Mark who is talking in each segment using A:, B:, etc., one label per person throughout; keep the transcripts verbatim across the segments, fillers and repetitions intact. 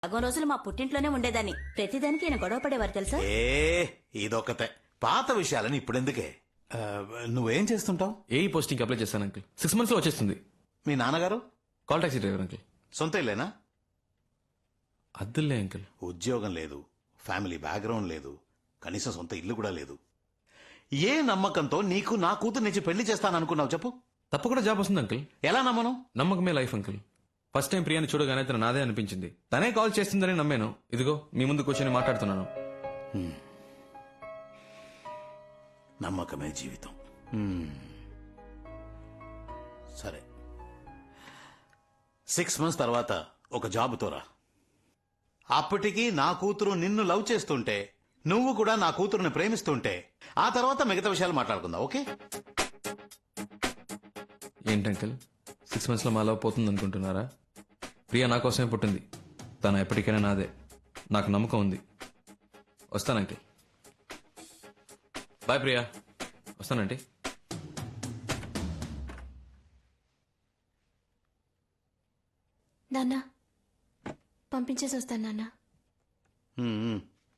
A: సగం రోజులు మా పుట్టింట్లోనే ఉండేదాన్ని. ప్రతిదానికి ఈయన గొడవ పడేవారు తెలుసా?
B: ఏ ఇదొకతే పాత విషయాలని ఇప్పుడెందుకే. ఆ, నువ్వేం చేస్తుంటావు?
C: ఏ పోస్టింగ్ అప్లై చేశాను అంకుల్. సిక్స్ మంత్స్ లో వచ్చేస్తుంది.
B: మీ నాన్నగారు
C: కాల్ టాక్సీ డ్రైవర్ అంకుల్.
B: సొంత ఇల్లేనా?
C: అద్దులే అంకుల్.
B: ఉద్యోగం లేదు, ఫ్యామిలీ బ్యాక్గ్రౌండ్ లేదు, కనీసం సొంత ఇల్లు కూడా లేదు. ఏ నమ్మకంతో నీకు నా కూతురు నుంచి పెళ్లి చేస్తాననుకున్నావు చెప్పు?
C: తప్పకుండా జాబ్ వస్తుంది అంకుల్.
B: ఎలా నమ్మను?
C: నమ్మకమే లైఫ్ అంకుల్. ఫస్ట్ టైం ప్రియాని చూడగానే తన నాదే అనిపించింది. తనే కాల్ చేస్తుందని నమ్మాను. ఇదిగో మీ ముందు కూర్చొని మాట్లాడుతున్నాను.
B: నమ్మకమే జీవితం. హ్మ్. సరే, సిక్స్ మంత్స్ తర్వాత ఒక జాబుతో రా. అప్పటికి నా కూతురు నిన్ను లవ్ చేస్తుంటే, నువ్వు కూడా నా కూతురుని ప్రేమిస్తుంటే, ఆ తర్వాత మిగతా విషయాలు మాట్లాడుకుందాం. ఓకే?
C: ఏంటి అంకుల్, సిక్స్ మంత్స్ లో మా లవ్ పోతుంది అనుకుంటున్నారా? ప్రియా నా కోసమే పుట్టింది. తను ఎప్పటికైనా నాదే. నాకు నమ్మకం ఉంది. వస్తాను అంకుల్. బాయ్ ప్రియా. వస్తానండి.
D: నాన్న పంపించేసి వస్తాను నాన్న.
B: హ్మ్.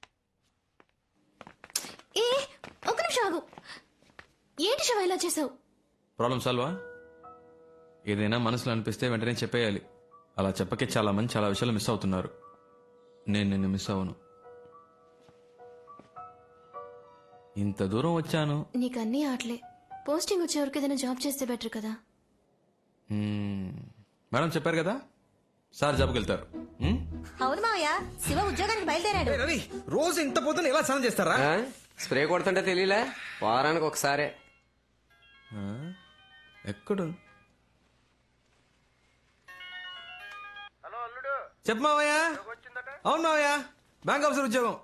D: ఏ ఒక నిమిషం ఆగు. ఏంటి శివ ఇలా చేసావు?
C: ప్రాబ్లం సాల్వా? ఏదైనా మనసులో అనిపిస్తే వెంటనే చెప్పేయాలి. అలా చెప్పకే చాలా మంది చాలా విషయాలు మిస్ అవుతున్నారు. నేను నిన్ను మిస్ అవ్వను. ఇంత దూరం వచ్చాను.
D: నీకు అన్నీ ఆటలే. పోస్టింగ్ వచ్చే వరకు ఏదైనా జాబ్ చేస్తే బెటర్ కదా.
C: మ్మ్. మేడం చెప్పారు కదా, సార్ జాబ్కి వెళ్తారు. మ్మ్?
A: అవును మావయ్య, శివ ఉద్యోగానికి బయలుదేరాడు.
E: రవి రోజు ఇంత పొద్దున ఎలా స్నానం చేస్తారా?
F: ఆ? స్ప్రే కొడుతుంటే తెలియలే, వారానికి ఒకసారి.
C: ఆ? ఎక్కడు? చెప్పు మావయ్య. అవును మావయ్య, బ్యాంక్ ఆఫీసర్ ఉద్యోగం.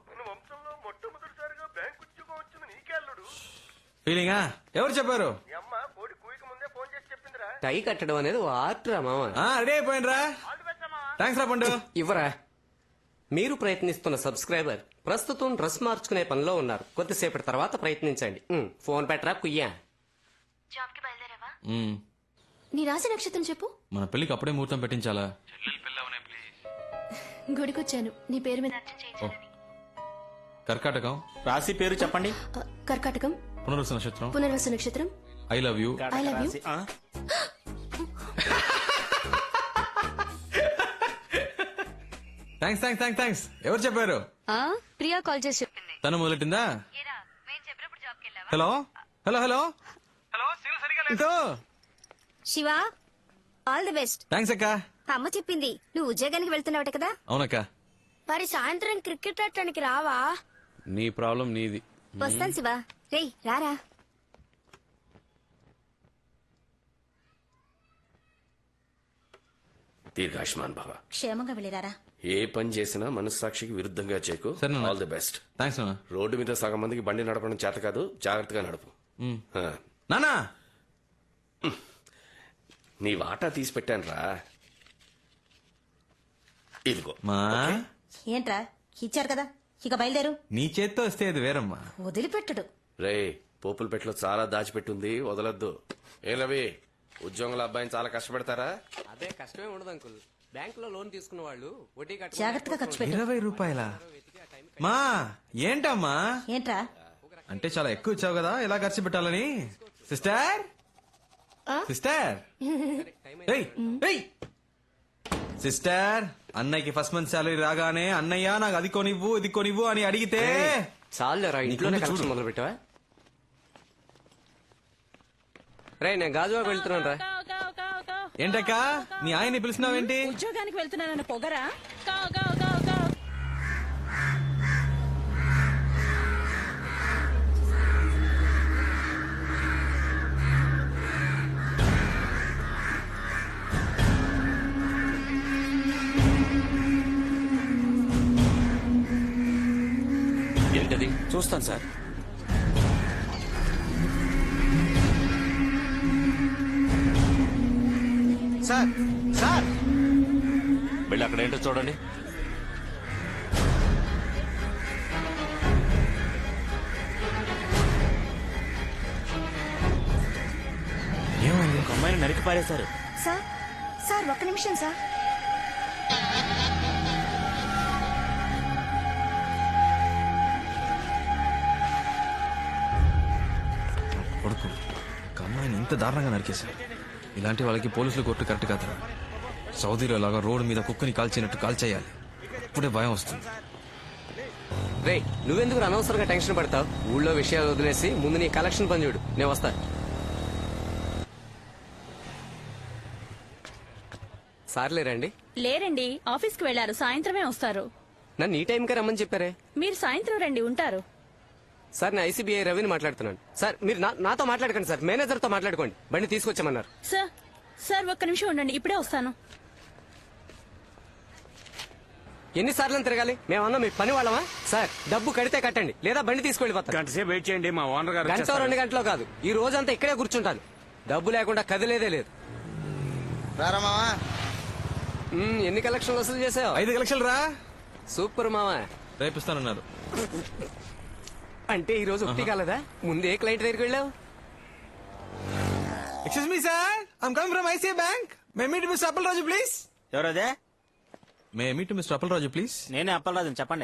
C: ఫీలింగా? ఎవరు చెప్పారు?
F: టై కట్టడం అనేది ఓ ఆర్ట్ రా మామ.
C: ఆ, రెడీ అయిపోయినరా. థ్యాంక్స్ రా పండు.
F: ఇవ్వరా. మీరు ప్రయత్నిస్తున్న సబ్స్క్రైబర్ ప్రస్తుతం డ్రెస్ మార్చుకునే పనిలో ఉన్నారు. కొద్దిసేపటి తర్వాత ప్రయత్నించండి. ఉమ్, ఫోన్ పెట్టరా కుయ్యా.
D: జాబ్ కి బయలుదేరావా?
C: మ్మ్.
D: నీ రాశి నక్షత్రం చెప్పు.
C: మన పెళ్లికి అప్పుడే ముహూర్తం పెట్టించాలా?
D: గుడికొచ్చాను నీ పేరు మీద అర్చన చేయించాలని.
C: కర్కాటకం.
G: రాశి పేరు చెప్పండి.
D: ఆ, కర్కాటకం.
C: పునర్వసు నక్షత్రం.
D: పునర్వసు నక్షత్రం.
C: I love you.
D: I love you.
G: ఆ?
C: Thanks thanks thanks thanks. ఎవరు చెప్పారు?
D: ప్రియా కాల్ చేసి చెప్పింది.
C: తను మొదలెట్టిందా? Hello hello hello hello.
A: Shiva, all the best.
C: Thanks అక్క.
A: అమ్మ చెప్పింది నువ్వు ఉద్యోగానికి వెళ్తున్నావట కదా.
C: అవునక్క.
D: మరి సాయంత్రం క్రికెట్ ఆడటానికి రావా?
C: నీ ప్రాబ్లం నీది.
A: వస్తాను శివ. రేయ్ రారా.
H: దీర్ఘాయుష్మాన్ భవ.
A: క్షేమంగా వెళ్ళిరారా.
H: ఏ పని చేసినా మనస్సాక్షికి విరుద్ధంగా చేయకు.
C: సరే నాన్న.
H: All the best.
C: థ్యాంక్స్ నాన్న.
H: రోడ్డు మీద సగం మందికి బండి నడపడం చేత కాదు, జాగ్రత్తగా నడుపు.
C: మ్మ్.
H: ఆ.
C: నానా.
H: నీ వాటా తీసి పెట్టాను రా. ఇదిగో.
C: మా
A: ఏంట్రా, ఇచ్చారు కదా, ఇక బయలుదేరు.
C: నీ చేత్తో వస్తే అది వేరమ్మా.
A: వదిలిపెట్టడు.
H: రే, పోపుల పెట్లో చాలా దాచిపెట్టుంది, వదలొద్దు. ఏ రవి, ఉద్యోగుల అబ్బాయిని చాలా కష్టపెడతారా?
F: అదే కష్టమే ఉండదు అంకుల్. బ్యాంక్ లో లోన్ తీసుకున్న వాళ్ళు వడ్డీ కట్ట
A: జాగ్రత్తగా ఖర్చు పెట్టు.
C: ఇరవై రూపాయల మా ఏంటమ్మా?
A: ఏంట్రా?
C: అంటే చాలా ఎక్కువ ఇచ్చావు కదా, ఎలా ఖర్చు పెట్టాలని. సిస్టర్ సిస్టర్ ఏయ్, ఏయ్. సిస్టర్, అన్నయ్యకి ఫస్ట్ మంత్ శాలరీ రాగానే అన్నయ్య నాకు అది కొనివ్వు ఇది కొనివ్వు అని అడిగితే
F: చాలేరా, ఇంట్లోనే
C: నీకు
F: కలెక్షన్
C: చూడు.
F: మొదలు పెట్టావా? రే, నేను గాజువాకు వెళ్తున్నాను రా.
C: ఏంటక్క నీ ఆయన్ని పిలిచినావేంటి?
I: ఉద్యోగానికి వెళ్తున్నానన్న పొగరా?
H: ఏంటది?
G: చూస్తాను సార్.
B: సార్ సార్
H: వెళ్ళి అక్కడ ఏంటో చూడండి.
G: ఒక అమ్మాయిని నరికి పారేశారు.
A: సార్ సార్ ఒక్క నిమిషం సార్.
C: ఇంత దారుణంగా నరికేశారు. ఇలాంటి వాళ్ళకి పోలీసులు కొట్టు కరెక్ట్ కాదురా. సౌదీలో లాగా రోడ్డు మీద కుక్కని కాల్చినట్టు కాల్చేయాలి. ఇప్పుడే భయం వస్తుంది.
F: రే నువ్వెందుకు అనవసరంగా టెన్షన్ పడతావు? ఊళ్ళో విషయాలు వదిలేసి ముందు నీ కలెక్షన్ పని చూడు, నేను వస్తా. సార్లే రండి.
I: లేరండి, ఆఫీస్కి వెళ్లారు, సాయంత్రమే వస్తారు.
F: నన్ను ఈ టైంకే రమ్మని చెప్పారే.
I: మీరు సాయంత్రం రండి, ఉంటారు.
F: సార్ నేను ఐసీబీఐ రవిని మాట్లాడుతున్నాను. సార్ మీరు నా- నాతో మాట్లాడకండి సార్, మేనేజర్తో మాట్లాడుకోండి. బండి తీసుకొచ్చామన్నారు.
I: సార్ సార్ ఒక్క నిమిషం ఉండండి, ఇప్పుడే వస్తాను.
F: ఎన్నిసార్లు తిరగాలి? మేమన్నా మీ పని వాళ్ళమా? సార్ డబ్బు కడితే కట్టండి, లేదా బండి తీసుకెళ్ళిపోతాను.
G: గంట సేపు వెయిట్ చేయండి, మా ఓనర్ గారు
F: గంట
G: వచ్చేస్తారు.
F: రెండు గంటలో కాదు, ఈ రోజంతా ఇక్కడే కూర్చుంటాను. డబ్బు లేకుండా కదిలేదే లేదు. మ్మ్, ఎన్ని కలెక్షన్లు వసూలు చేసావు?
C: ఐదు లక్షలు రా.
F: సూపర్ మావా.
C: రేపిస్తానన్నారు.
F: అంటే ఈ రోజు ఒకటి కాలదా? ముందే క్లయింట్ దగ్గరికి వెళ్ళావు.
C: Excuse me sir, I'm coming from ICI bank. May meet mister Appalaraju please.
G: ఎవరదే?
C: May meet mister Appalaraju please.
G: నేనే అప్పలరాజు, చెప్పండి.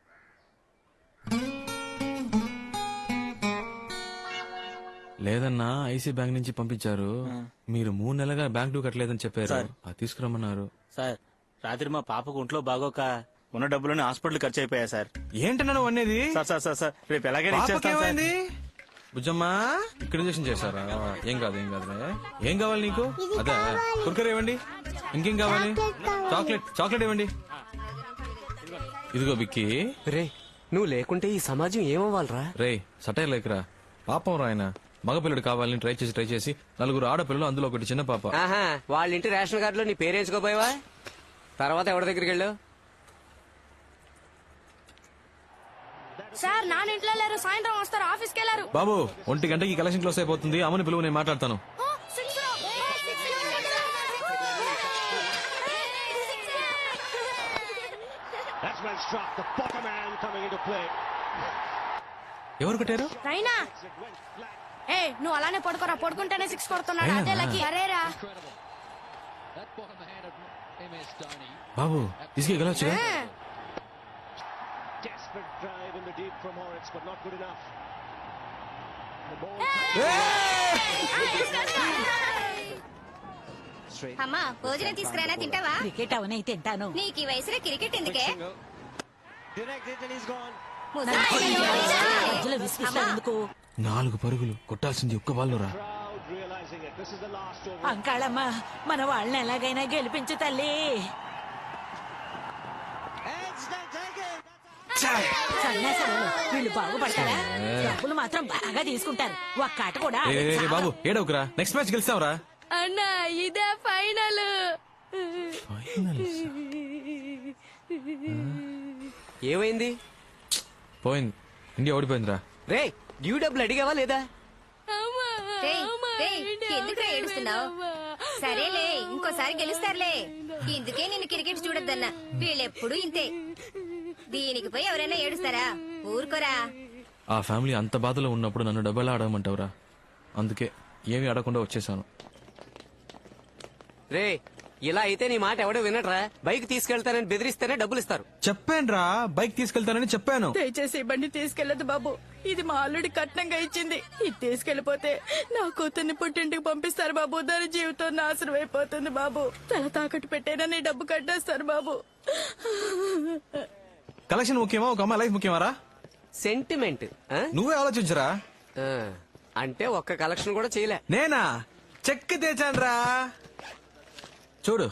C: లేదన్నా, ఐసీ బ్యాంక్ నుంచి పంపించారు. మీరు మూడు నెలలుగా బ్యాంక్ డ్యూ కట్టలేదని చెప్పారు.
G: సార్.
C: అది తీసుకురమ్మన్నారు.
G: సార్ రాత్రి మా పాపకు ఒంట్లో బాగోక ఉన్న డబ్బులని హాస్పిటల్ ఖర్చు అయిపోయా సార్.
C: ఏంటన్నా నువ్వు అనేది?
G: సార్ సార్ సార్ సార్ రేపు ఎలాగైనా ఇచ్చేస్తాను సార్.
C: పాపకేమైంది? బుజ్జమ్మా, ఇక్కడ ఇంజక్షన్ చేశారా? ఏం కాదు ఏం కాదు. ఏం కావాలి నీకు? అదే కుర్కర్ ఇవ్వండి. ఇంకేం కావాలి? చాక్లెట్ చాక్లెట్ ఇవ్వండి. ఇదిగో బిక్కి.
F: రే నువ్వు లేకుంటే ఈ సమాజం ఏమవ్వాలరా?
C: రే సటైర్ లేకరా. పాపం రాయన మగపిల్లడు కావాలని ట్రై చేసి ట్రై చేసి నలుగురు ఆడపిల్లలు, అందులో ఒకటి చిన్న పాప.
F: ఆహా, వాళ్ళ ఇంటి రేషన్ కార్డులో నీ పేరు వేసుకోపోయావా? తర్వాత ఎవరి దగ్గరికి వెళ్ళావు?
D: సార్ నాన్న ఇంట్లో లేరు, సాయంత్రం వస్తారు, ఆఫీస్కి వెళ్ళారు.
C: బాబు ఒంటి గంటకి కలెక్షన్ క్లోజ్ అయిపోతుంది. అమ్మని పిలువు, నేను మాట్లాడతాను.
D: ఆ, సిక్స్ రో. ఏ, సిక్స్ రో.
C: ఎవరు కొట్టారు?
D: రైనా ఏ నువ్వు అలానే పడుకోరా, పడుకుంటేనే సిక్స్ కొడుతున్నాడు.
C: రైనా?
D: అదే లక్కీ. అరేరా
C: బాబు ఇసుకే గెలవచ్చుగా.
D: అమ్మా భోజనం తీసుకురానా, తింటావా?
I: క్రికెట్ అవనే తింటాను.
D: నీకు ఈ వయసులో క్రికెట్ ఎందుకే?
I: మధ్యలో విసిగిస్తావు ఎందుకు?
C: నాలుగు పరుగులు కొట్టాల్సింది ఒక్క బాల్లో రా.
I: అంకాళమ్మ, మన వాళ్ళని ఎలాగైనా గెలిపించు తల్లి. సన్యాసాలు వీళ్ళు బాగుపడతారా? డబ్బులు మాత్రం బాగా తీసుకుంటారు. ఒక్క ఆట కూడా
C: ఏ, ఏ, ఏ, బాబు ఏడవకురా, నెక్స్ట్ మ్యాచ్ గెలిస్తావురా.
D: అన్నా ఇదే ఫైనల్.
F: ఏమైంది?
C: పోయింది, ఇండియా ఓడిపోయిందిరా.
F: రే డ్యూ డబ్బులు అడిగావా లేదా?
D: ఎందుకు ఏడుస్తున్నావు? సరేలే, ఇంకోసారి గెలుస్తారులే. ఇందుకే నిన్ను క్రికెట్ చూడొద్దన్నా. వీళ్ళెప్పుడు ఇంతే. దీనికి పోయి ఎవరైనా ఏడుస్తారా? ఊరుకోరా.
C: ఆ ఫ్యామిలీ అంత బాధలో ఉన్నప్పుడు నన్ను డబ్బులా ఆడమంటావురా? అందుకే ఏమీ ఆడకుండా వచ్చేసాను.
F: రే ఇలా అయితే నీ మాట ఎవడో వినట్రా. బైక్ తీసుకెళ్తానని బెదిరిస్తేనే డబ్బులు ఇస్తారు.
C: చెప్పానురా, బైక్ తీసుకెళ్తానని చెప్పాను.
I: దయచేసి ఈ బండి తీసుకెళ్లదు బాబు. ఇది మా అల్లుడి కట్నంగా ఇచ్చింది. ఇది తీసుకెళ్లిపోతే నా కూతుర్ని పుట్టింటికి పంపిస్తారు బాబు. దాని జీవితం నాశనం అయిపోతుంది బాబు. తల తాకట్టు పెట్టేనని డబ్బు కట్టేస్తారు బాబు.
C: కలెక్షన్ ముఖ్యమా, ఒక అమ్మాయి లైఫ్ ముఖ్యమారా?
F: సెంటిమెంట్ ఆ?
C: నువ్వే ఆలోచించరా.
F: ఆ, అంటే ఒక్క కలెక్షన్ కూడా చేయలే.
C: నేనా చెక్ తెచ్చానురా, చూడు.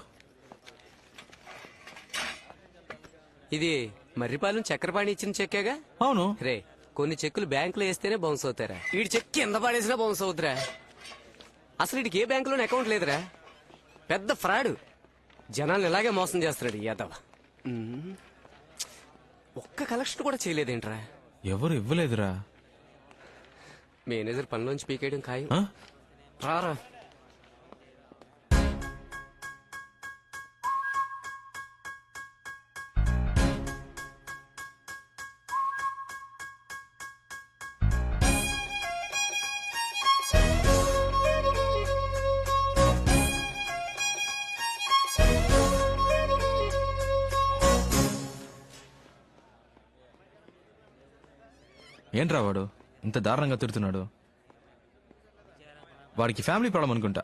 F: ఇది మర్రిపాలెం చక్రపాణి ఇచ్చిన చెక్కేగా?
C: అవును.
F: రే కొన్ని చెక్కులు బ్యాంకులో వేస్తేనే బౌన్స్ అవుతారా? వీడి చెక్ కింద పడేసినా బౌన్స్ అవుతురా. అసలు వీడికి ఏ బ్యాంకులోనే అకౌంట్ లేదురా. పెద్ద ఫ్రాడ్. జనాలు ఇలాగే మోసం చేస్తున్నాడు యాదవ. ఉమ్. ఒక్క కలెక్షన్ కూడా చేయలేదేంట్రా?
C: ఎవరు ఇవ్వలేదురా.
F: మేనేజర్ పనిలోంచి పీకేయడం ఖాయం.
C: ఆ?
F: రారా.
C: ఏంట్రా వాడు ఇంత దారుణంగా తిడుతున్నాడు? వాడికి ఫ్యామిలీ ప్రాబ్లం అనుకుంటా.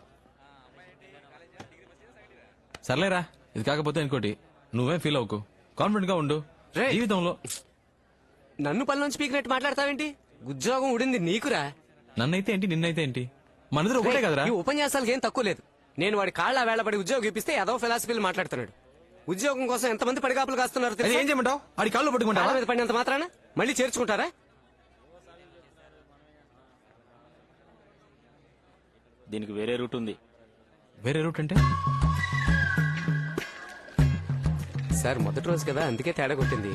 C: సర్లేరా, ఇది కాకపోతే ఇంకోటి. నువ్వేం ఫీల్ అవ్వకు, కాన్ఫిడెంట్ గా ఉండు.
F: రేయ్.
C: జీవితంలో
F: నన్ను పనిలోంచి పీకినట్టు మాట్లాడతావేంటి? ఉద్యోగం ఉడింది నీకురా.
C: నన్నైతే ఏంటి, నిన్నైతే ఏంటి, మనదిరు ఒకటే కదరా.
F: ఈ ఉపన్యాసాలకి ఏం తక్కువ లేదు. నేను వాడి కాళ్ళ వేళపడి ఉద్యోగం ఇప్పిస్తే ఏదో ఫిలాసఫీలు మాట్లాడుతున్నాడు. ఉద్యోగం కోసం ఎంతమంది పడిగాపులు కాస్తున్నారు
C: అది
F: తెలుసా?
C: ఏం చేయమంటావు? ఆడి కాళ్ళు పట్టుకుంటావా?
F: కాళ్ళ మీద పడినంత మాత్రాన మళ్ళీ చేర్చుకుంటారా?
G: దీనికి వేరే రూట్ ఉంది.
C: వేరే రూట్ అంటే?
F: సార్ మొదటి రోజు కదా, అందుకే తేడా కొట్టింది.